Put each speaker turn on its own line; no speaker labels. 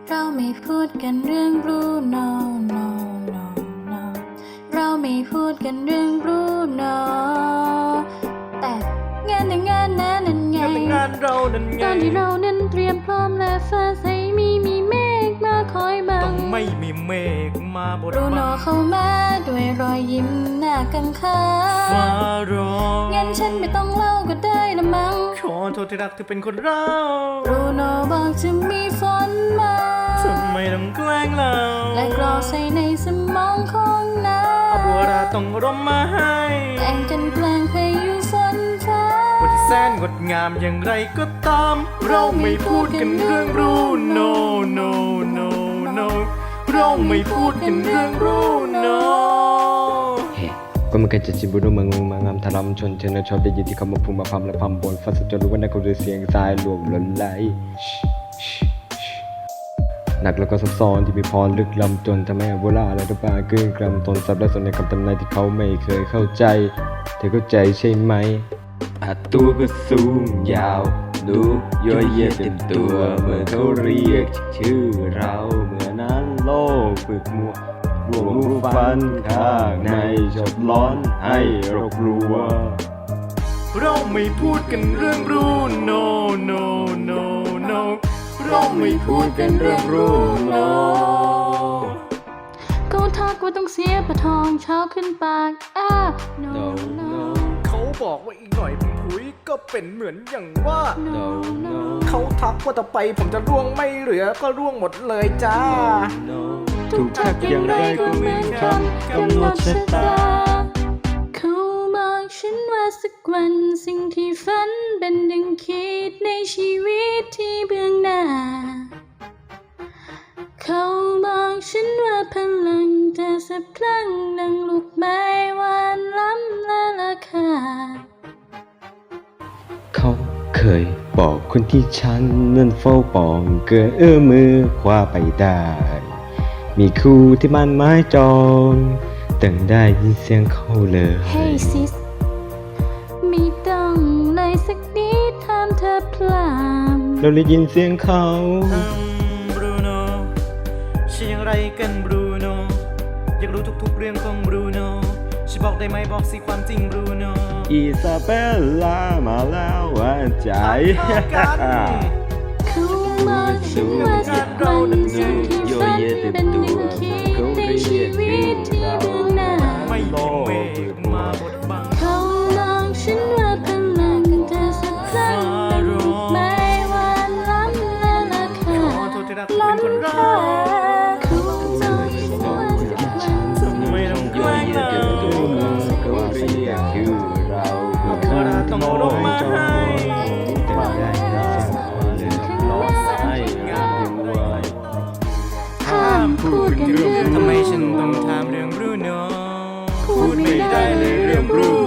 เราไม่พูดกันเรื่อง Bruno no no no เราไม่พูดกันเรื่อง Bruno แต่งานแต่งงานนั้นไง
งานเรานั้นไง
ตอนที่เรานั้นเตรียมพร้อมและฟ้าใสมีเมฆมาคอยบั
ต้อง งไม่มีเมฆมาบด
บรูโน
บัง
เข้ามาด้วยรอยยิ้มหน้ากังขา
ฟ้าร้อง
งั้นฉันไม่ต้องเล่าก็ได้ละมั้ง
ขอโทษที่รักเธอเป็นคนเรา
บรูโนบอกจะมีฝนมา
ทำไมต้องแกล้งเรา
และกรอกใส่ในสมองของนา
เอาบัวราต้องร่มมาให้
แต่งกันแปลงพายุฝนฟ้า
วันที่แสนงดงามอย่างไรก็ตาม เราไม่พูดกันเรื่อง Bruno no no no เราไม่พูดกันเรื่อง Bruno
เฮ้ก็มันก็จะจิบุรุษมังมางามทารำชนเชนชอบได้ยินที่เขามาพูดมาพำและพำบนฟ้าสุดจนรู้ว่านั่นคือเสียงทรายหลวงหล่นไหลหนักแล้วก็ซับซ้อนที่มีพรลึกล้ำจนทำให้โบราณและทุกปาเกินกรำตนซับและสนในคำทำนายที่เขาไม่เคยเข้าใจเธอเข้าใจใช่ไหมตัวก็สูงยาวดูย่อยเยียดเต็มตัวเมื่อเขาเรียกชื่อเราเมื่อนั้นโลกฝึกมัวรวมรูปฟันข้างในชดร้อนให้รบรัว
เราไม่พูดกันเรื่อง Bruno no no no เราไม่พูดกันเรื่อง Bruno
เขาทักว่าต้องเสียประทองเช้าขึ้นปากno no
เขาบอกว่าอีกหน่อยผมผุยก็เป็นเหมือนอย่างว่า
no no
เขาทักว่าต่อไปผมจะร่วงไม่เหลือก็ร่วงหมดเลยจ้า
ถูกทักอย่างไรก็เหมือนคำกำหนดชะตา
เขาบอกฉันว่าสักวันสิ่งที่ฝันเป็นดังคิดในชีวิตที่เบื้องหน้า เขาบอกฉันว่าพลังจะสับพลังดังลูกไม้หวานล้ำและราคา
เขาเคยบอกคนที่ฉันนั้นเฝ้าปองเกินมือคว้าไปได้ มีคู่ที่มันไม้จองตั้งได้ยินเสียงเขาเลย
Hey sis ไม่ต้องเลยสักนิดห้ามเธอพลาม
เราได้ยินเสียงเขา
Bruno ใช่อย่างไรกัน Bruno อยากรู้ทุกๆเรื่องของ Bruno ช่วยบอกได้ไหมบอกสิความจริง Bruno
อิซาเบลล่ามาแล้วว่าใจ
เขาบอกฉันว่าสักวันสิ่งที่ฝันเป็นดังคิดในชีวิตที่เบื้องหน้า
ไม่มีเมฆมาบดบัง
เขาบอกฉันว่าพลังจะสักครั้งเป็นลูกไม้หวานล้ำและราคา
ขอโทษที่รักเป็นคนเรา
เขาบอกฉันว่าสักวัน
ทำไมต้องแกล้งเรา
เขาเรียกชื่อเรา
เอาบัวราต้องร่มมาให้
ตั้งได้ยินเสียงเขาเลยร้องไห้ยังไว
ห้ามพูดกันเรื่อง
ทำไมฉันต้องถามเรื่อง Bruno พูดไม่ได้เลยเรื่อง Bruno